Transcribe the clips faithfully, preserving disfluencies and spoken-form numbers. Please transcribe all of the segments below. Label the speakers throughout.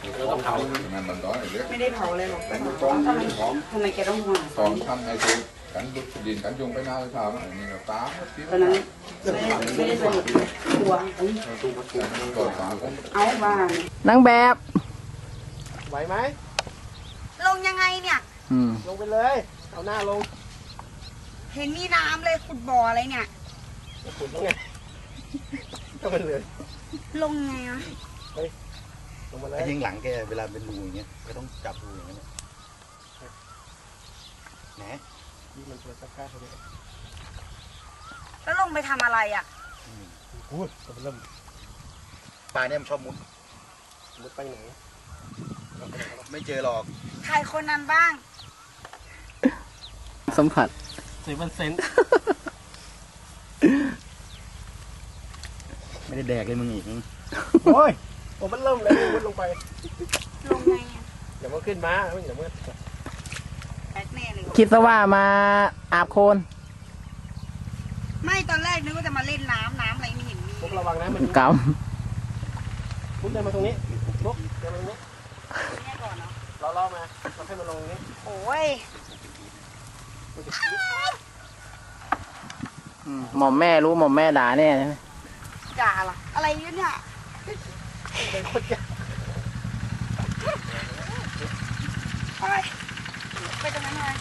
Speaker 1: เราต้องเผา
Speaker 2: ไม่ได้เผาเลยหรอกทำไมทำไมแกต้องห่วง
Speaker 3: ตอนทำไอ้ตัวกันดุดดินกันยุงไปหน้าเลยครับอันนี้เราตาม
Speaker 2: ตอนนั้นไม่ได้สนิทกลัวเอาบ้าน
Speaker 1: นางแบบ
Speaker 4: ไหวไหม
Speaker 2: ลงยังไงเนี่ย
Speaker 4: ลงไปเลยเอาหน้าลง
Speaker 2: เห็นมีน้ำเลยขุดบ่ออะไรเนี่ย
Speaker 4: ขุดตรงไงก็เป็นเลย
Speaker 2: ลงไงอ่ะ
Speaker 4: ลงมาเลย
Speaker 5: ยิงหลังแกเวลาเป็นรูอย่างเงี้ยก็ต้องจับรูอย่างเงี้ยแหน
Speaker 4: นี่มันตัวสักการ์เลย
Speaker 2: แล้วลงไปทำอะไรอ่ะ
Speaker 4: พูดเริ่ม
Speaker 5: ปลาเนี่ยมันชอบมุด
Speaker 4: มุดไปไหน
Speaker 5: ไม่เจอหรอก
Speaker 2: ใครคนนั้นบ้าง
Speaker 1: สัมผัส
Speaker 4: เซเว่นเซน
Speaker 5: ไม่ได้แดกเลยมึงอีก
Speaker 4: โอ้ยโอ้มันเริ่มเลยมุดลงไป
Speaker 2: ลงไงอ่ะ
Speaker 4: เดี๋ยวมันขึ้นมาไม่เดี๋ยวมัน
Speaker 1: คิดซะว่ามาอาบโคลน
Speaker 2: ไม่ตอนแรกนึกว่าจะมาเล่นน้ำน้ำอะไรไม่เห็นมี
Speaker 4: พวกระวังนะมัน
Speaker 1: ก
Speaker 4: ำพุกเดินมาตรงนี้พุกเดินมาตรงนี้
Speaker 2: นี่ก่อนเนาะ
Speaker 4: เราล่อมาเราให้มันลงนี้
Speaker 2: โอ้ย
Speaker 1: หม่อมแม่รู้หม่อมแม่ด่าแน่ใช่ไหม
Speaker 2: ด่าล่ะอะไรเนี่ย
Speaker 4: เป็นคนแก่
Speaker 2: ไปไปตรงนั้นเลย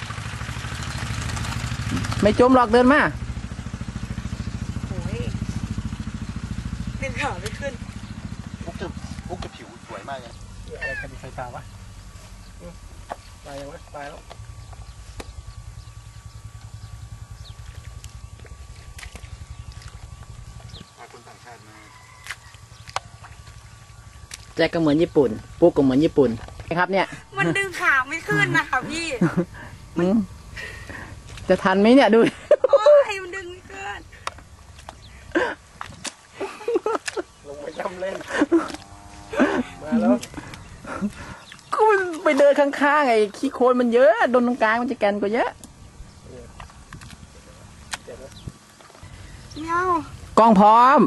Speaker 1: ไม่จมหรอกเดินมา
Speaker 2: โอ้ยเป็นขาไม่ขึ้น
Speaker 5: พุกจะพุกจะผิวสวยมากเลย
Speaker 4: อะไรกันดีไฟฟ้าวะตายยังวะตายแล้ว
Speaker 5: พาคนต่างชาติมา
Speaker 1: แจ็คก็เหมือนญี่ปุ่นปุ๊กก็เหมือนญี่ปุ่นครับเนี่ย
Speaker 2: มันดึงขาไม่ขึ้นนะคะพี่
Speaker 1: จะทันไหมเนี่ยดู
Speaker 2: โอ้ยมันดึงไม่ขึ้น
Speaker 4: ลงไปจำเล่นมาแล้ว
Speaker 1: ก็ไปเดินข้างๆไอ้ขี้โคลนมันเยอะโดนตรงกลางมันจะแกนกว่าเยอะ
Speaker 2: เมียว
Speaker 1: กล้องพร้อม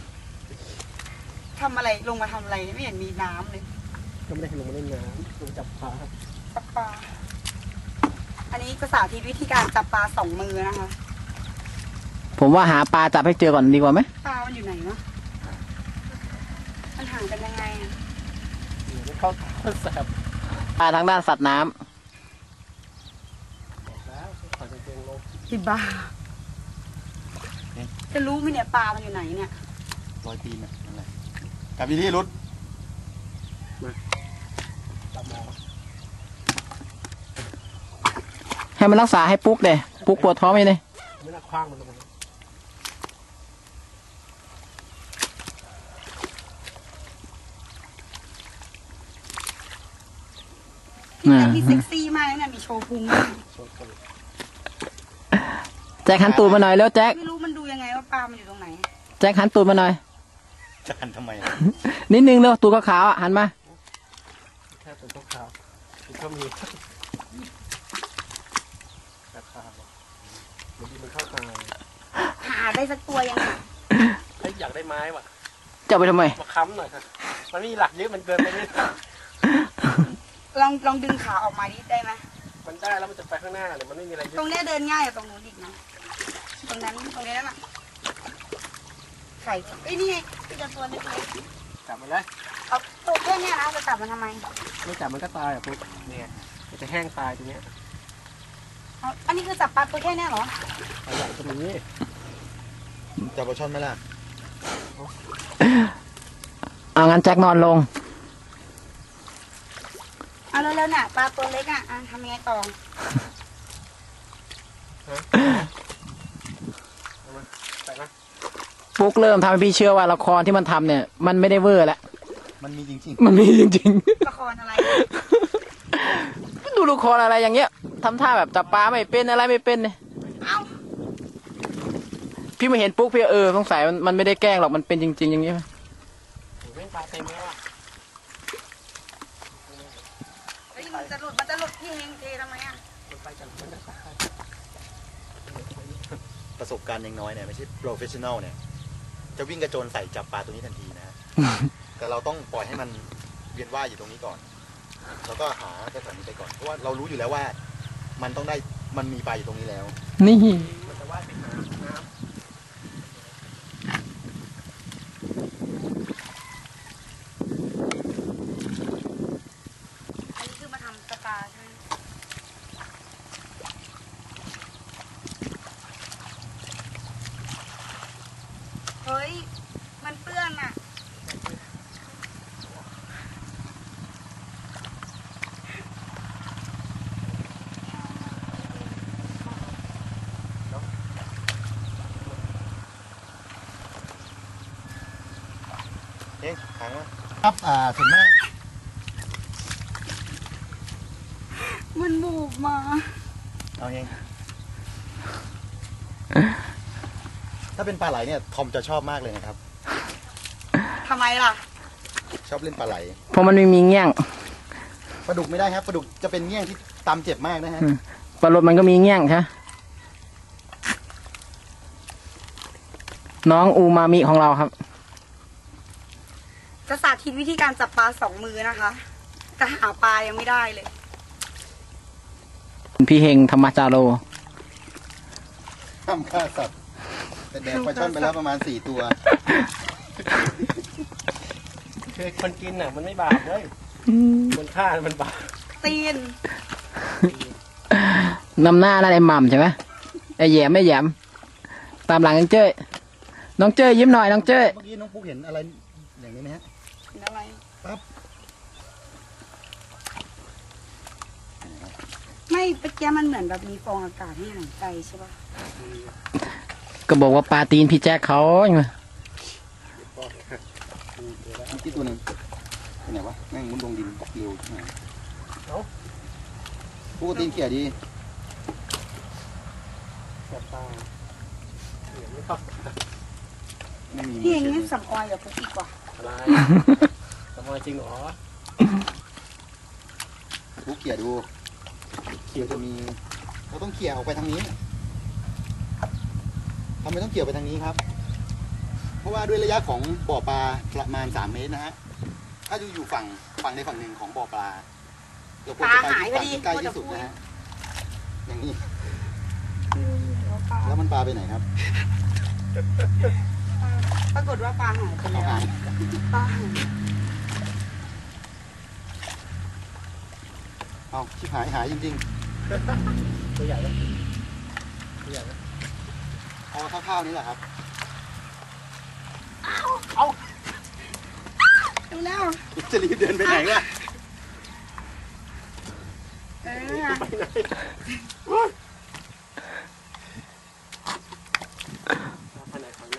Speaker 2: ทำอะไรลงมาทำอะไรไม่เห็นมีน้ำเลย
Speaker 4: ก็ไม่ได้ลงมาเล่นน้ำลงจับปลาครับ
Speaker 2: จับปลาอันนี้ภาษาที่วิธีการจับปลาสองมือนะคะ
Speaker 1: ผมว่าหาปลาจับให้เจอก่อนดีกว่าไหม
Speaker 2: ปลามันอยู่ไหนเนาะมันห่างกันยังไงอ่ะ
Speaker 4: ไม่เข้าแสบ
Speaker 1: ปลาทางด้านสัตว์น้ำ
Speaker 2: ที่บ้าจะรู้ไหมเนี่ยปลามันอยู่ไหนเนี่ย
Speaker 5: รอยตีนอ่ะนั่นแหละกับวิธีรุด
Speaker 1: ให้มันรักษาให้ปุ๊กเด้ปุ๊กปวดท้องไหมเนี่ย
Speaker 4: ไม่น่าคว้างมันลง
Speaker 2: มาที่เซ็กซี่มากเลยนะมีโชว์พุง
Speaker 1: แจ็คหันตูดมาหน่อยแล้วแจ็ค
Speaker 2: ไม่รู้มันดูยังไงว่าปลามันอยู่ตรงไหน
Speaker 1: แจ็คหันตูดมาหน่อย
Speaker 5: จะหันทำไม
Speaker 1: นิดนึงเร็วตูดขาวๆอ่ะหันมา
Speaker 4: แค่ตูดขาวก็มีมันเข้าตา
Speaker 2: หาได้สักตัวยัง
Speaker 4: ไอ้อยากได้ไม้ว่ะ
Speaker 1: จะไปทำไม
Speaker 4: มาค้ำหน่อยครับมันมีหลักเยอะมันเกินไปนิด
Speaker 2: ลองลองดึงขาออกมาดิได้ไหม
Speaker 4: มันได้แล้วมันจะไปข้างหน้าเลยมันไม่มีอะไร
Speaker 2: ตรงนี้เดินง่ายกว่าตรงนู้นอีกนะตรงนั้นตรงนี้นั่นแหละไข่ไอ้นี่ไงจะตัวนี้เลย
Speaker 4: จับมันเลย
Speaker 2: เอาตัวแค่นี้นะจะจับมันทำไม
Speaker 4: ไม่จับมันก็ตายอ่ะปุ๊บเนี่ยมันจะแห้งตายตรงนี้
Speaker 2: อันนี้คือจับปลาตัวแค่นี้เหรอ
Speaker 4: ปลาใหญ่ตรงนี้
Speaker 5: จับปลาช่อนไหมล่ะ
Speaker 1: เอางั้นแจ็คนอนลง
Speaker 2: เอาเร็วๆน่ะปลาตัวเล็กอ่ะทำยังไงต่อ
Speaker 1: ปุ๊กเริ่มทำให้พี่เชื่อว่าละครที่มันทำเนี่ยมันไม่ได้เวอร์แล้ว
Speaker 5: มันมีจริง
Speaker 1: ๆมันมีจริง
Speaker 2: ๆละครอะไร
Speaker 1: ดูละครอะไรอย่างเงี้ยทำท่าแบบจับปลาไม่เป็นอะไรไม่เป็นเนี่ยพี่มาเห็นปุ๊กพี่เออสงสัยมันมันไม่ได้แกล้งหรอกมันเป็นจริงๆอย่างเงี้ย
Speaker 4: ไม่ปลาเต็มแล้วอ่ะ
Speaker 2: มันจะหลุดมันจะหลุดพี่เฮงเททำไมอ่ะ
Speaker 5: ประสบการณ์ยังน้อยเนี่ยไม่ใช่โปรเฟชชั่นแนลเนี่ยจะวิ่งกระโจนใส่จับปลาตัวนี้ทันทีนะแต่เราต้องปล่อยให้มันเวียนว่ายอยู่ตรงนี้ก่อน แล้วก็หาสถานีไปก่อน เพราะว่าเรารู้อยู่แล้วว่า มันต้องได้ มันมีปลาอยู่ตรงนี้แล้ว
Speaker 1: นี่
Speaker 4: มันจะว่ายไปน้ำน้
Speaker 2: อันนี้คือมาทำสปาใช่ไหมเฮ้ย มันเปื้อนอ่ะ
Speaker 5: เอ๊ะค้างวะครับ อ่าส่วนมาก
Speaker 2: มันบูบมา
Speaker 5: เอาเอง ถ้าเป็นปลาไหลเนี่ย ทอมจะชอบมากเลยนะครับ
Speaker 2: ทำไมล่ะ
Speaker 5: ชอบเล่นปลาไหล
Speaker 1: เพราะมันไม่มีเงี้ยง
Speaker 5: ปลาดุกไม่ได้ครับ ปลาดุกจะเป็นเงี้ยงที่ตำเจ็บมากนะฮะ
Speaker 1: อืม ปลาโลดมันก็มีเงี้ยงใช่ น้องอูมามิของเราครับ
Speaker 2: จะสาธิตวิธีการจับปลาสองมือนะคะ แต่หาปลายังไม่ได้เลย
Speaker 1: พี่เฮงธรรมจาโร
Speaker 5: ห้ามฆ่าสัตว์แต่แดกปลาช่อนไปแล้วประมาณสี่ตัว
Speaker 4: ำคือคนกินน่ะ มันไม่บาปเลยคนฆ่ามันบาป
Speaker 2: ตีน
Speaker 1: นำหน้านั่นไอ้หม่ำใช่ไหมไอ้แหยมไม่แหยม ตามหลังน้องเจ้ยน้องเจ้ยยิ้มหน่อยน้องเจ้ย
Speaker 5: เมื่อกี้น้องปุ๊กเห็นอะไรอย่างนี้ไหมฮะ
Speaker 2: เห็นอะไร
Speaker 5: ปั๊บ
Speaker 2: ไม่เมื่อกี้มันเหมือนแบบมีฟองอากาศให้หายใจใช่ปะ
Speaker 1: ก็บอกว่าปลาตีนพี่แจ็คเขาไง
Speaker 5: เมื่อกี้ตัวหนึงไปไหนวะแม่งมุดลงดินเร็วใช่ไหมปุ๊กก็ตีนเขี่ยดี
Speaker 4: จับปลาเหนียวไม่เข้า
Speaker 5: ไม่มี
Speaker 2: พี่เอง
Speaker 5: มื
Speaker 2: นี่
Speaker 5: อ
Speaker 2: สำออยกับปุ๊กอีกว่ะ
Speaker 4: อะไรทำไมจริงเหรอ
Speaker 5: ปุ๊กเขี่ยดูเขี่ยจะมีเราต้องเขี่ยออกไปทางนี้ทำไมต้องเขี่ยไปทางนี้ครับ เพราะว่าด้วยระยะของบ่อปลาประมาณสามเมตรนะฮะถ้าอยู่อยู่ฝั่งฝั่งใดฝั่งหนึ่งของบ่อปลาเราควรจะไปที่ฝั่งที่ใกล้ที่สุดนะฮะอย่างนี้แล้วมันปลาไปไหนครับ
Speaker 2: ปรากฏว่าปลาหายไป
Speaker 5: เอา
Speaker 2: แล้ว
Speaker 5: หาย
Speaker 2: ปลาหาย
Speaker 5: เอาชิบหายหายจริง
Speaker 4: ตัวใหญ่ไหมตัวใหญ่ไหม
Speaker 5: ๆเอาเท่าๆนี้แหละครับ
Speaker 2: ดูแล้ว
Speaker 5: จะรีบเดินไปไหนล่ะ
Speaker 2: เออ
Speaker 4: ไปไหน ไปไหนของน้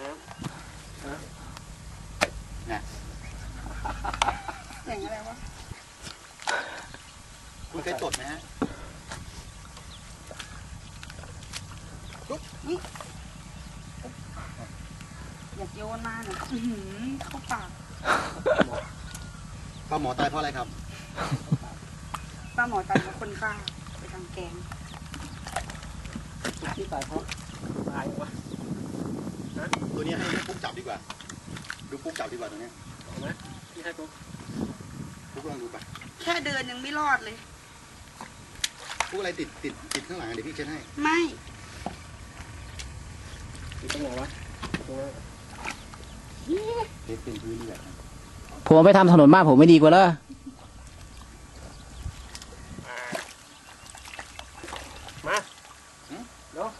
Speaker 2: อย่างอะไรวะ
Speaker 5: คุณเคยจดไหมฮะ
Speaker 2: อยากโยนมาเนี่ยอื้อหือเข้าปาก
Speaker 5: ปลาหมอตายเพราะอะไรครับ
Speaker 2: ปลาหมอตายเพราะคนฆ่าไปทำแกง
Speaker 4: ำที่ตายเพราะตายวะ
Speaker 5: ตัวนี้ให้ให้ปุ๊กจับดีกว่า ดูปุ๊กจับดีกว่าตัวเนี้ย
Speaker 4: เอาไหมที่ให้ปุ๊บ
Speaker 5: ปุ๊กลองดูไป
Speaker 2: แค่เดินยังไม่รอดเลย
Speaker 5: ปุ๊กอะไรติดติดติดข้างหลังอ่ะเดี๋ยวพี่เช็ดให้
Speaker 2: ไม่
Speaker 4: อยู่ตรงไหนวะตรงนั้น
Speaker 5: เช็ดเป็นพื้นนี่แหละ
Speaker 1: ผมไปทำถนนบ้านผมไม่ดีกว่าเหรอ
Speaker 4: มาเนาะ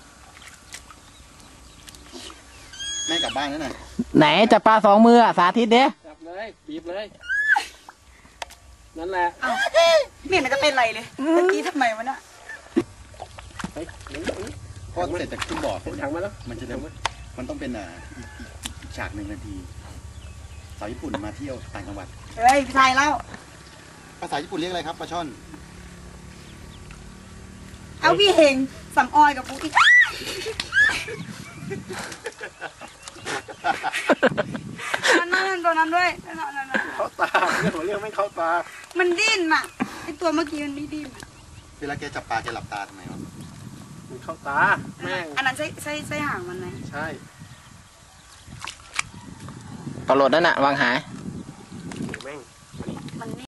Speaker 5: แม่กลับบ้านแล้วน่ะ
Speaker 1: ไหนจับปลาสองมืออะสาธิตเด้
Speaker 4: จับเลยบีบเลย นั่นแหละ
Speaker 2: เอ้าไม่เห็นมันจะเป็นไรเลยเมื่อกี้ทำไมวะเนี่ย
Speaker 4: เฮ้ยหนีหนี
Speaker 5: พอเสร็จจากขึ้นบ่อ
Speaker 4: ผมถังมาแล้ว
Speaker 5: มันจะ
Speaker 4: ถังมา
Speaker 5: มันต้องเป็นอ่าอีกอีกอีกฉากหนึ่งนาทีสาวญี่ปุ่นมาเที่ยวต่างจังหวัด
Speaker 2: เฮ้ยพี่ชายเล่า
Speaker 5: ภาษาญี่ปุ่นเรียกอะไรครับปลาช่อน
Speaker 2: เอาพี่เฮงสำออยกับปุ๊กอีกนั่นนั่นตัวนั้นด้วยนั่นนั่นนั่น
Speaker 4: เข้าตาเรื่องของเรื่องไม่เข้าตา
Speaker 2: มันดิ้นอ่ะไอตัวเมื่อกี้มันไม่ดิ้นอะ
Speaker 5: เวลาแกจับปลาแกหลับตาทำไมครับ
Speaker 4: มันเข้าตา แม่ง
Speaker 2: อันนั้นใช่ใช่ใช่หางมันไหม
Speaker 4: ใช่
Speaker 1: ปลาโลดนั่นน่ะวางหาย
Speaker 4: แม่ง
Speaker 2: มัน